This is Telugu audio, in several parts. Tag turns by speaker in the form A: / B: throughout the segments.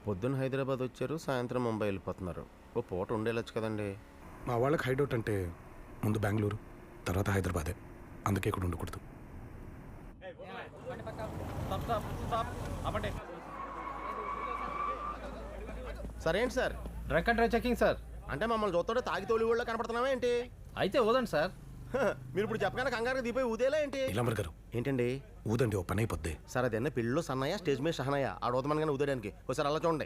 A: పొద్దున్న హైదరాబాద్ వచ్చారు, సాయంత్రం ముంబై వెళ్ళిపోతున్నారు. ఓ పూట ఉండేలొచ్చు కదండి.
B: మా వాళ్ళకి హైడౌట్ అంటే ముందు బెంగళూరు, తర్వాత హైదరాబాదే. అందుకే ఇక్కడ ఉండకూడదు.
A: సార్ ఏంటి sir?
C: Drunk and drive checking sir.
A: అంటే మమ్మల్ని చూస్తుంటే తాగి తోలి ఊళ్ళో కనపడుతున్నావా ఏంటి?
C: అయితే ఊదండి సార్.
A: మీరు ఇప్పుడు చెప్పగానే కంగారుగా దిపోయి ఊదేలా ఏంటి?
B: ఇలాంబర్ గారు
A: ఏంటండి?
B: ఊదండి, ఓ పని అయిపోద్ది.
A: సార్ అది అన్న పెళ్ళిలో సన్నయ్య, స్టేజ్ మీద షహనయ్య. ఆడు ఊదమనగానే ఊదేయడానికి ఒకసారి అలా చూడండి.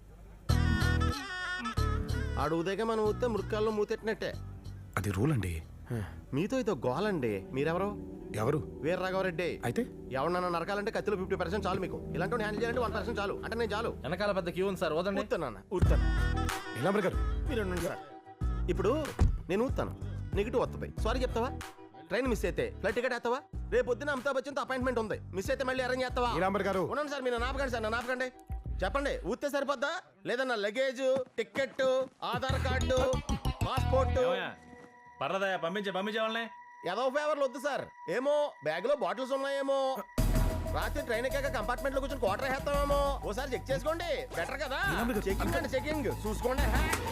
A: ఆడు ఊదేగా మనం ఊతే మృక్కాల్లో మూతెట్టినట్టే.
B: అది రూల్ అండి.
A: మీతో ఇదో గోలండి. మీరెవరు?
B: ఎవరు?
A: వీర రాఘవరెడ్డి.
B: అయితే
A: ఎవరన్నా నరకాలంటే కత్తిలో 50% చాలు మీకు. ఇలాంటి హ్యాండిల్ చేయాలంటే 1% చాలు. అంటే నేను చాలు.
C: వెనకాల పెద్ద క్యూ ఉంది సార్, ఊదండి.
A: ఊతాను ఊతాను.
B: ఇలాంబర్ గారు
A: మీరు ఉండండి సార్. ఇప్పుడు నేను ఊతాను, నెగిటివ్ వస్తుంది. సారీ చెప్తావా? ట్రైన్ మిస్ అయితే ఫ్లైట్ టికెట్ వేస్తావా? రేపు పొద్దున అమితాబ్ బచ్చన్తో అపాయింట్మెంట్ ఉంది. మిస్ అయితే మళ్ళీ అరేంజ్ చేస్తావా?
B: ఇలాంబర్ గారు
A: ఉన్నాను సార్. మీరు నాపకండి సార్, నన్ను ఆపకండి. చెప్పండి, ఊతే సరిపోద్దా? లేదన్నా luggage, ticket, Aadhaar card, passport.
D: పర్లేదా? పంపించే వాళ్ళని.
A: ఏదో ఫేవర్లు వద్దు సార్. ఏమో బ్యాగ్ లో బాటిల్స్ ఉన్నాయేమో. రాత్రి ట్రైన్ ఎక్కాక కంపార్ట్మెంట్ లో కూర్చొని క్వార్టర్ వేస్తామేమో. ఓసారి చెక్ చేసుకోండి, బెటర్ కదా. చెకింగ్ అంటే చెకింగ్ చూసుకోండి.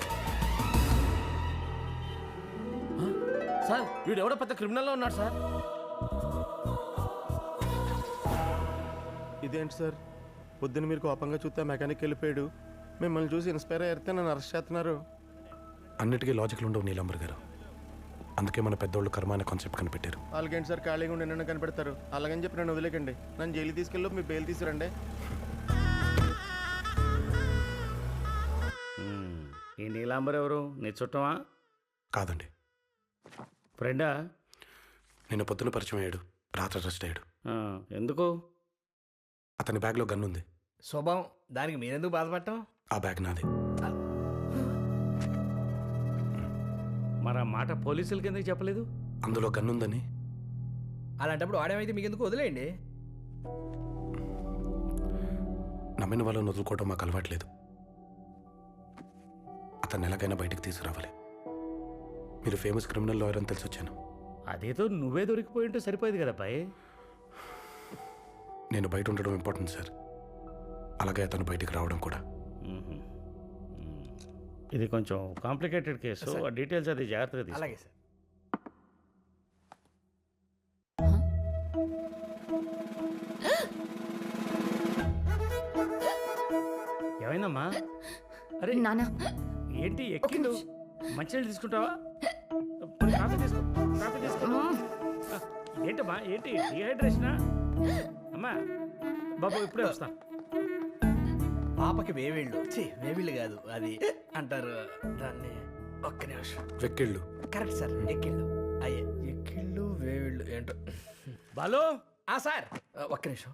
C: సార్ వీడు ఎవడో పెద్ద క్రిమినల్ లో ఉన్నాడు సార్.
A: ఇదేంటి సార్, పొద్దున్న మీరు కోపంగా చూస్తే మెకానిక్ వెళ్ళిపోయాడు. మిమ్మల్ని చూసి ఇన్స్పైర్ అయితే నన్ను అరెస్ట్ చేస్తున్నారు.
B: అన్నిటికీ లాజిక్లు ఉండవు నీలాంబర్ గారు. అందుకే మన పెద్దోళ్ళు కర్మ అనే కాన్సెప్ట్ కనిపెట్టారు.
A: వాళ్ళకేంటి సార్, ఖాళీగా ఉండి నన్ను కనిపెడతారు. అలాగని చెప్పి నన్ను వదిలేకండి. నన్ను జైలు తీసుకెళ్ళి మీ బెయిల్ తీసుకురండి.
D: ఈ నీలాంబర్ ఎవరు? నీ చుట్టమా?
B: కాదండి,
D: ఫ్రెండా?
B: నేను పొద్దున పరిచయం అయ్యాడు, రాత్రి అరెస్ట్ అయ్యాడు.
D: ఎందుకు?
B: అతని బ్యాగ్లో గన్ ఉంది.
C: స్వభావం, దానికి మీరెందుకు బాధపడటం?
B: ఆ బ్యాగ్ నాది.
D: మరి ఆ మాట పోలీసులకి ఎందుకు చెప్పలేదు?
B: అందులో గన్ ఉందని.
C: అలాంటప్పుడు ఆడేమైతే మీకు ఎందుకు, వదిలేయండి.
B: నమ్మిన వాళ్ళని వదులుకోవడం మాకు అలవాట్లేదు. అతన్ని ఎలాగైనా బయటకు తీసుకురావాలి. మీరు ఫేమస్ క్రిమినల్ లాయర్ అని తెలిసి వచ్చాను.
D: అదేదో నువ్వే దొరికిపోయి ఉంటే సరిపోయేది కదా పై.
B: నేను బయట ఉండడం ఇంపార్టెంట్ సార్, అలాగే అతను బయటికి రావడం కూడా.
D: ఇది కొంచెం కాంప్లికేటెడ్ కేసు, ఆ డీటెయిల్స్ అది జాగ్రత్తగా తీసుకో.
C: అలాగే సార్.
D: ఏమైందమ్మా? అరే
E: నానా,
D: ఏంటి ఎక్కిండు? మంచినీళ్ళు తీసుకుంటావా? పోనీ కాఫీ తీసుకో, కాఫీ తీసుకో. ఏంటమ్మా, ఏంటి డిహైడ్రేషనా? అమ్మా బాబు ఇప్పుడే వస్తా.
C: పాపకి వేవిళ్ళు, వేవిళ్ళు కాదు అది అంటారు దాన్ని. ఒక్క నిమిషం.
B: వెక్కిళ్ళు.
C: కరెక్ట్ సార్, ఎక్కిళ్ళు. అయ్యే ఎక్కిళ్ళు వేవిళ్ళు ఏంటో.
D: బాలు.
C: సార్ ఒక్క నిమిషం.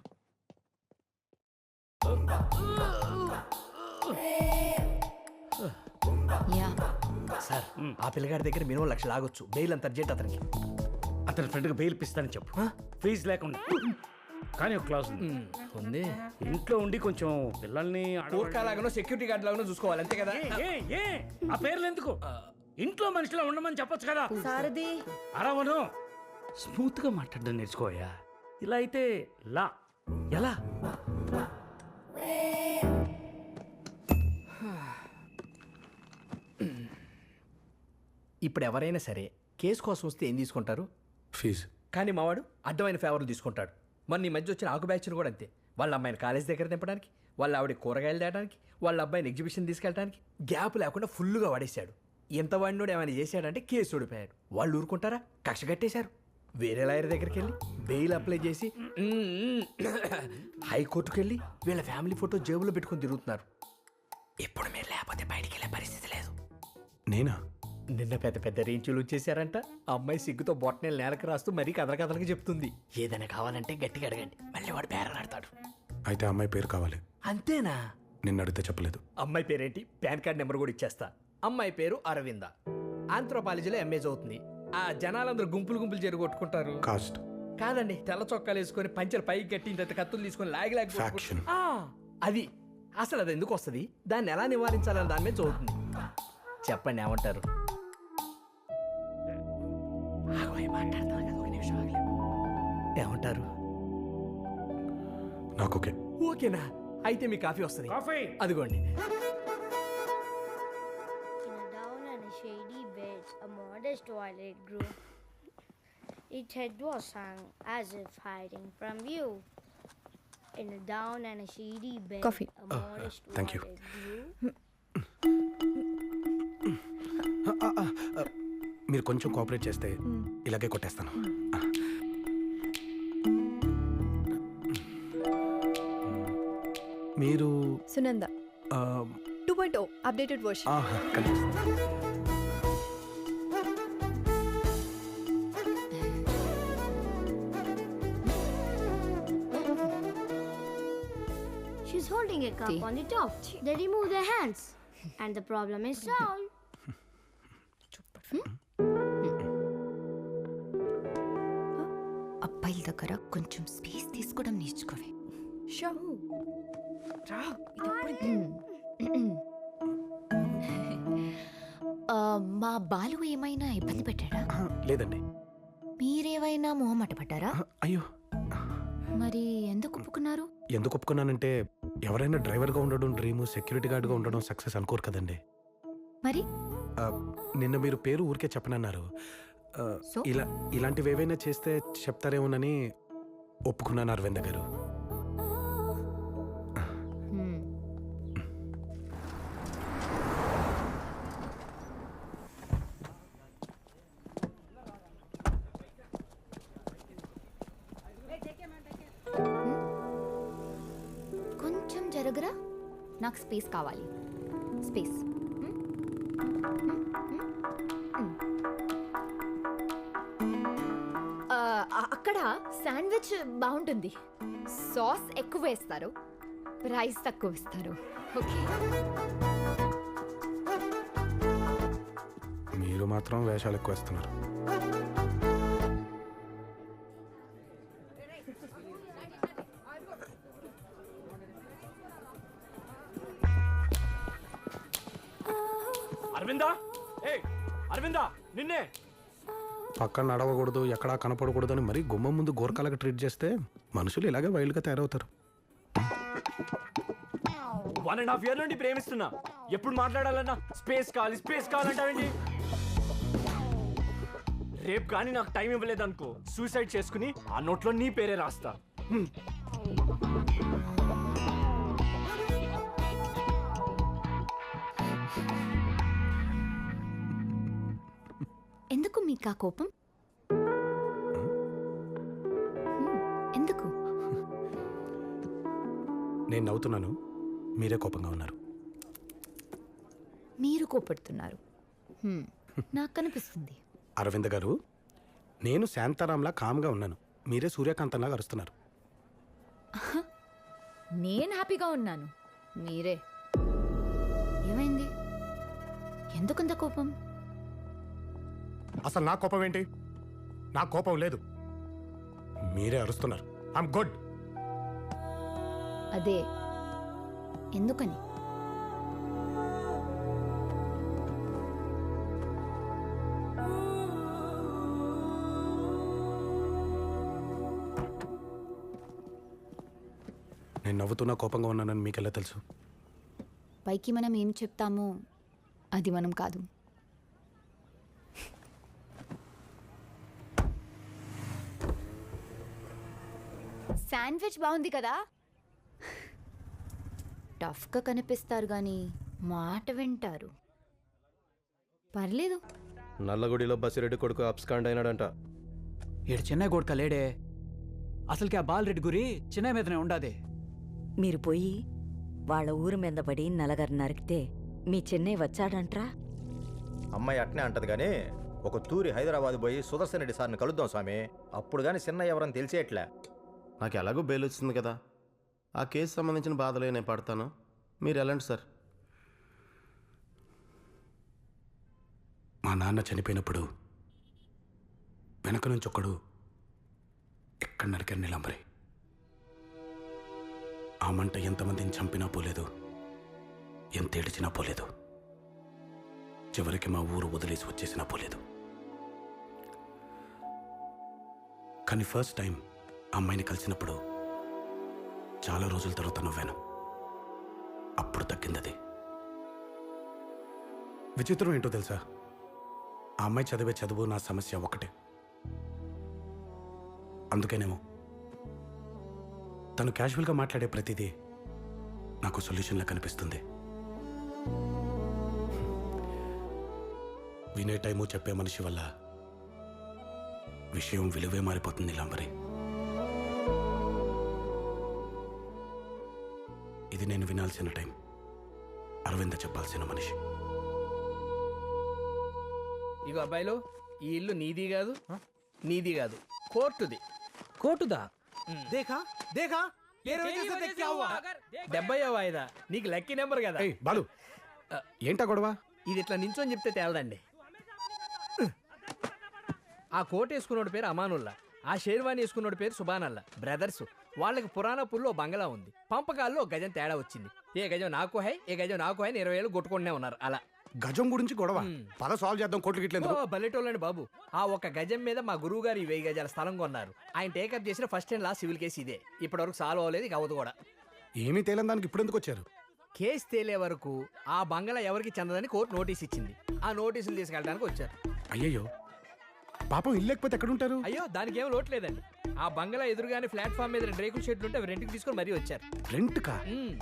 E: యా
C: సార్ ఆ పిల్లగాడి దగ్గర మినిమం 1,00,000 లాగొచ్చు. బెయిల్ అంత అర్జెంట్ అతనికి.
D: అతని ఫ్రెండ్కి బెయిల్ ఇప్పిస్తానని చెప్పు, ఫీజు లేకుండా. కానీ ఒక క్లాస్ ఉంది.
C: ఉంది.
D: ఇంట్లో ఉండి కొంచెం పిల్లల్ని
C: లాగానో సెక్యూరిటీ గార్డ్ లాగానో చూసుకోవాలి, అంతే కదా.
D: ఆ పేర్లు ఎందుకు? ఇంట్లో మనిషిలో ఉండమని చెప్పొచ్చు కదా.
E: సారథి
D: అరవను, స్మూత్ గా మాట్లాడడం నేర్చుకోయా. ఇలా అయితే లా ఎలా?
C: ఇప్పుడు ఎవరైనా సరే కేసు కోసం వస్తే ఏం తీసుకుంటారు?
B: ఫీజు.
C: కానీ మావాడు అడ్డమైన ఫేవర్లు తీసుకుంటాడు. మొన్న ఈ మధ్య వచ్చిన ఆకు బ్యాచ్లు కూడా అంతే. వాళ్ళ అమ్మాయిని కాలేజ్ దగ్గర దింపడానికి, వాళ్ళ ఆవిడ కూరగాయలు తేయడానికి, వాళ్ళ అబ్బాయిని ఎగ్జిబిషన్ తీసుకెళ్ళడానికి గ్యాప్ లేకుండా ఫుల్గా వాడేశాడు. ఎంత వాడినోడు ఏమైనా చేశాడంటే కేసు ఓడిపోయాడు. వాళ్ళు ఊరుకుంటారా? కక్ష కట్టేశారు. వేరే లాయర్ దగ్గరికి వెళ్ళి బెయిల్ అప్లై చేసి హైకోర్టుకు వెళ్ళి వీళ్ళ ఫ్యామిలీ ఫోటో జేబులో పెట్టుకుని తిరుగుతున్నారు. ఇప్పుడు మీరు లేకపోతే బయటికి వెళ్ళే పరిస్థితి లేదు.
B: నేనా?
C: నిన్న పెద్ద పెద్ద రేంచులు వచ్చేసారంట. అమ్మాయి సిగ్గుతో బొట్టనేలు నేలకు రాస్తూ మరీ కథలకి చెప్తుంది. ఏదైనా కావాలంటే గట్టిగా అడగండి, మళ్ళీ వాడు బేరలాడతాడు.
B: అయితే అమ్మాయి పేరు కావాలి.
C: అంతేనా?
B: నిన్ను అడిగితే చెప్పలేదు.
C: అమ్మాయి పేరేంటి? పాన్ కార్డ్ నెంబర్ కూడా ఇచ్చేస్తా. అమ్మాయి పేరు అరవింద. ఆంథ్రోపాలజీలో ఎంఏ చదువుతుంది. ఆ జనాలందరూ గుంపులు జరగొట్టుకుంటారు.
B: కాస్ట్.
C: కాదండి, తెల్ల చొక్కాలు వేసుకొని పంచెలు పైకి కట్టి కత్తులు తీసుకొని లాగి
B: ఫ్యాక్షన్.
C: అది అసలు అది ఎందుకు వస్తుంది, దాన్ని ఎలా నివారించాలని దాని మీద చదువుతుంది. చెప్పండి ఏమంటారు? మాట్లాడతాను కదా, ఒక నిమిషం ఆగలేదు. ఏమంటారు?
B: నాకు ఓకే.
C: ఓకేనా? అయితే మీ కాఫీ వస్తుంది
D: కాఫీ
C: అదిగోండి.
E: In a down and a shady bed, a modest violet grew. Its head was hung as if hiding from view. In a down and a shady bed,
F: Coffee.
E: a modest
B: thank you.
E: violet grew.
B: మీరు కొంచెం కోఆపరేట్ చేస్తే ఇలాగే కొట్టేస్తాను. మీరు
F: సునంద
B: ఆ,
F: 2.0 అప్డేటెడ్ వర్షన్.
B: ఆహా, కనిపిస్తుంది.
E: She's holding a cup
F: See?
E: on the top. They remove their hands, and the problem is solved.
G: అబ్బాయిల దగ్గర కొంచెం స్పేస్ తీసుకోవడం నేర్చుకోవే.
F: షో
G: మా బాలు ఏమైనా ఇబ్బంది పెట్టాడా?
B: ఆహా, లేదండి.
G: మీరేమైనా మొహమాట పడ్డారా?
B: ఆహా, అయ్యో,
G: మరి ఎందుకు ఒప్పుకున్నారు?
B: ఎందుకు ఒప్పుకున్నానంటే ఎవరైనా డ్రైవర్గా ఉండడం డ్రీము, సెక్యూరిటీ గార్డ్గా ఉండడం సక్సెస్ అనుకోరు కదండి.
G: మరి
B: ఆ, నిన్న మీరు పేరు ఊరికే చెప్పనన్నారు. ఆ,
G: సో?
B: ఇలాంటివి ఏవైనా చేస్తే చెప్తారేమోనని ఒప్పుకున్నాను అరవింద గారు.
G: హ్మ్. కొంచెం జరగరా, నాకు స్పేస్ కావాలి. స్పేస్. అక్కడ శాండ్విచ్ బాగుంటుంది. సాస్ ఎక్కువ వేస్తారు, రైస్ తక్కువ ఇస్తారు. ఓకే.
B: మీరు మాత్రం వేషాలు ఎక్కువ వేస్తున్నారు.
D: అరవిందా, ఏ అరవిందా, నిన్నే.
B: పక్కన నడవకూడదు, ఎక్కడా కనపడకూడదు అని మరీ గుమ్మం ముందు గోరకాలకు ట్రీట్ చేస్తే మనుషులు ఇలాగే వైల్డ్గా తయారవుతారు.
D: 1.5 years నుండి ప్రేమిస్తున్నా. ఎప్పుడు మాట్లాడాలన్నా స్పేస్ కావాలంటావేంటి? రేపు కానీ నాకు టైం ఇవ్వలేదనుకో, సూసైడ్ చేసుకుని ఆ నోట్లో నీ పేరే రాస్తా.
G: ఎందుకు మీకు ఆ కోపం? ఎందుకు?
B: నేను నవ్వుతున్నాను, మీరే కోపంగా ఉన్నారు.
G: మీరు కోపడుతున్నారు. నాకు కనిపిస్తుంది.
B: అరవింద గారు, నేను శాంతారాంలా కామ్గా ఉన్నాను, మీరే సూర్యకాంతంలాగా అరుస్తున్నారు.
G: నేను హ్యాపీగా ఉన్నాను, మీరే. ఏమైంది? ఎందుకంత కోపం?
B: అసలు నా కోపం ఏంటి? నా కోపం లేదు, మీరే అరుస్తున్నారు. I'm good.
G: అదే ఎందుకని?
B: నేను నవ్వుతున్నా కోపంగా ఉన్నానని మీకెలా తెలుసు?
G: పైకి మనం ఏం చెప్తామో అది మనం కాదు. శాండ్విచ్ బాగుంది కదా? టఫ్గా కనిపిస్తారు కానీ మాట వింటారు. పర్లేదు.
A: నల్లగుడిలో బసిరెడ్డి కొడుకు అబ్స్కాండ్ అయినాడంట.
H: ఈడు చెన్నై కొడుక లేడే, అసలుకి ఆ బాలరెడ్డి గురి చెన్నై మీదనే ఉండాది.
I: మీరు పోయి వాళ్ళ ఊరు మీద పడి నలగరు నరికితే మీ చెన్నై వచ్చాడంట్రా.
A: అమ్మాయి అట్నే అంటది కానీ ఒక తూరి హైదరాబాద్ పోయి సుదర్శన్ రెడ్డి సార్ని కలుద్దాం స్వామి. అప్పుడు కానీ చిన్న ఎవరని తెలిసేట్లే. నాకు ఎలాగో బెయిల్ వచ్చింది కదా, ఆ కేసు సంబంధించిన బాధలే నేను పడతాను, మీరు వెళ్ళండి సార్.
B: మా నాన్న చనిపోయినప్పుడు వెనక నుంచి ఒకడు ఎక్కడ నరికారు నీలంబరి. ఆ మంట ఎంతమందిని చంపినా పోలేదు, ఎంత ఏడిచినా పోలేదు, చివరికి మా ఊరు వదిలేసి వచ్చేసినా పోలేదు. కానీ ఫస్ట్ టైం అమ్మాయిని కలిసినప్పుడు చాలా రోజుల తర్వాత నవ్వాను. అప్పుడు తగ్గిందది. విచిత్రం ఏంటో తెలుసా, ఆ అమ్మాయి చదివే చదువు నా సమస్య ఒకటే. అందుకేనేమో తను క్యాజువల్గా మాట్లాడే ప్రతిదీ నాకు సొల్యూషన్లా కనిపిస్తుంది. వినే టైము చెప్పే మనిషి వల్ల విషయం విలువే మారిపోతుంది. నీలాంబరి, ఇది నేను వినాల్సిన టైం, అరవింద చెప్పాల్సిన మనిషి.
C: ఇగో అబ్బాయిలు, ఈ ఇల్లు నీది కాదు, నీది కాదు, కోర్టుది.
D: కోటుదా?
H: దేఖా దేఖా
C: 70వ వాయిదా. నీకు లక్కీ నెంబర్ కదా.
B: ఏయ్ బాలు, ఏంటా గొడవ?
C: ఇది ఇట్లా నించొని చెప్తే తేలదండి. ఆ కోట్ వేసుకున్నోడి పేరు అమానుల్లా, ఆ షేర్వాణి వేసుకున్నోడి పేరు సుబానల్లా. బ్రదర్స్. వాళ్ళకి పురాణపూర్లో గంగలా ఉంది. పంపకాల్లో గజం తేడా వచ్చింది. ఏ గజం నాకు హై, ఏ గజం నాకు హై 20 ఏళ్ళు కొట్టుకుంటూనే ఉన్నారు. అలా
B: గజం గురించి గొడవ. పద సాల్వ్ చేద్దాం. కోట్లు గిట్లేదు.
C: బల్లెటోళ్ళండి బాబు. ఆ ఒక్క గజం మీద మా గురువు గారు 1000 గజాల స్థలం కొన్నారు. ఆయన టేకప్ చేసిన first and last civil case ఇదే. ఇప్పటివరకు సాల్వ్ అవ్వలేదు, ఇక అవ్వదు కూడా.
B: ఏమీ తేలని దానికి ఇప్పుడు ఎందుకు వచ్చారు?
C: కేసు తేలే వరకు ఆ బంగళా ఎవరికి చెందదని కోర్టు నోటీస్ ఇచ్చింది. ఆ నోటీసులు తీసుకెళ్ళడానికి వచ్చారు.
B: అయ్యయ్యో, పాపం ఇల్లు లేకపోతే ఎక్కడుంటారు?
C: అయ్యో, దానికి ఏం లోటు లేదండి. ఆ బంగళా ఎదురుగానే ప్లాట్ఫామ్ మీద 2 రేకుల షెడ్లు ఉంటే అవి రెంట్కి తీసుకొని మరీ వచ్చారు.
B: రెంట్ కా?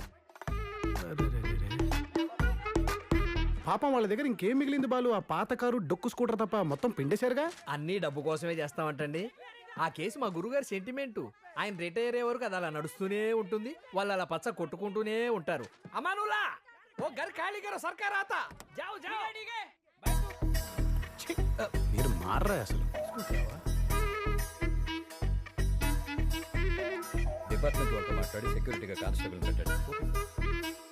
B: పాపం వాళ్ళ దగ్గర ఇంకేం మిగిలింది బాలు? ఆ పాత కారు, డొక్కు స్కూటర్ తప్ప మొత్తం పిండేశారుగా.
C: అన్నీ డబ్బు కోసమే చేస్తామంటండి. ఆ కేసు మా గురుగారి సెంటిమెంటు. ఆయన రిటైర్ అయ్యే వరకు అది అలా నడుస్తూనే ఉంటుంది. వాళ్ళు అలా పచ్చ కొట్టుకుంటూనే ఉంటారు. అమానులా ఓ గర్ ఖాళీ కరో సర్కార్ ఆతా జాओ జాओ.
B: మీరు మారరా అసలు.
C: డిపార్ట్మెంట్ వాళ్ళతో మాట్లాడి సెక్యూరిటీగా కానిస్టేబుల్ పెట్టండి.